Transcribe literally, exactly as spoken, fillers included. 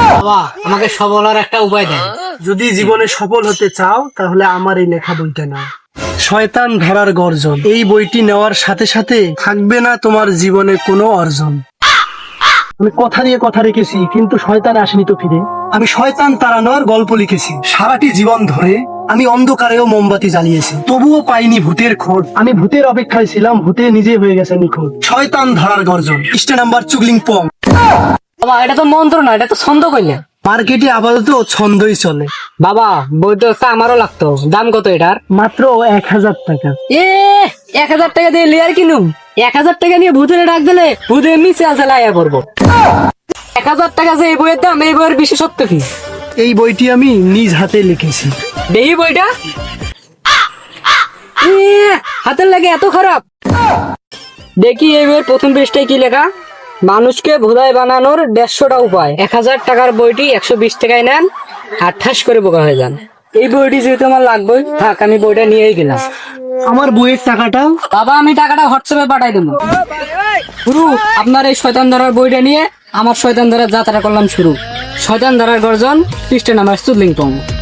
বাবা আমাকে সফল হওয়ার একটা উপায় দেন। যদি জীবনে সফল হতে চাও তাহলে আমার এই লেখা বইটা নাও, শয়তান ধরার গর্জন। এই বইটি নেওয়ার সাথে সাথে থাকবে না তোমার জীবনে কোনো অর্জন। আমি কথা দিয়ে কথা রেখেছি, কিন্তু শয়তান আসেনি তো ফিরে। আমি শয়তান তাড়ানোর গল্প লিখেছি। সারাটি জীবন ধরে আমি অন্ধকারেও মোমবাতি জ্বালিয়েছি, তবুও পাইনি ভূতের খোঁজ। আমি ভূতের অপেক্ষায় ছিলাম, ভূতে নিজে হয়ে গেছে নিখোঁজ। শয়তান ধরার গর্জন, স্টে নাম্বার চুগলিং পং। বাবা এটা তো মন্ত্র না, এটা তো ছন্দ কইলে। মার্কেটে আপাতত ছন্দই চলে। বাবা বইটা একটা আমারও লাগতো, দাম কত এটার? মাত্র এক হাজার টাকা। এ এক হাজার টাকা দিয়ে লিয়ার কিনুম? এক হাজার টাকা নিয়ে ভূতের ডাক দিলে ভূতে এমনি চাল চালাইয়া পড়বো। এক হাজার টাকা যে এই বইয়ের দাম, এই বইয়ের বিশেষত্ব কি? এই বইটি আমি নিজ হাতে লিখেছি। দেখি বইটা। এ, হাতের লাগে এত খারাপ। দেখি এই বইয়ের প্রথম পৃষ্ঠায় কি লেখা? মানুষকে ভোলাই বানানোর দেড়শোটা উপায়। এক হাজার টাকার বইটি একশো বিশ টাকায় নেন আর ঠাস করে বোকা হয়ে যান। এই বইটি যেহেতু আমার লাগবে, থাক আমি বইটা নিয়েই গেলাম। আমার বইয়ের টাকাটা? বাবা আমি টাকাটা হোয়াটসঅ্যাপে পাঠাই দেবো। গুরু আপনার এই শয়তান ধরার বইটা নিয়ে আমার শয়তান ধরার যাত্রা করলাম শুরু। শয়তান ধরার গর্জন, পৃষ্ঠা নাম্বার চুদলিং পং।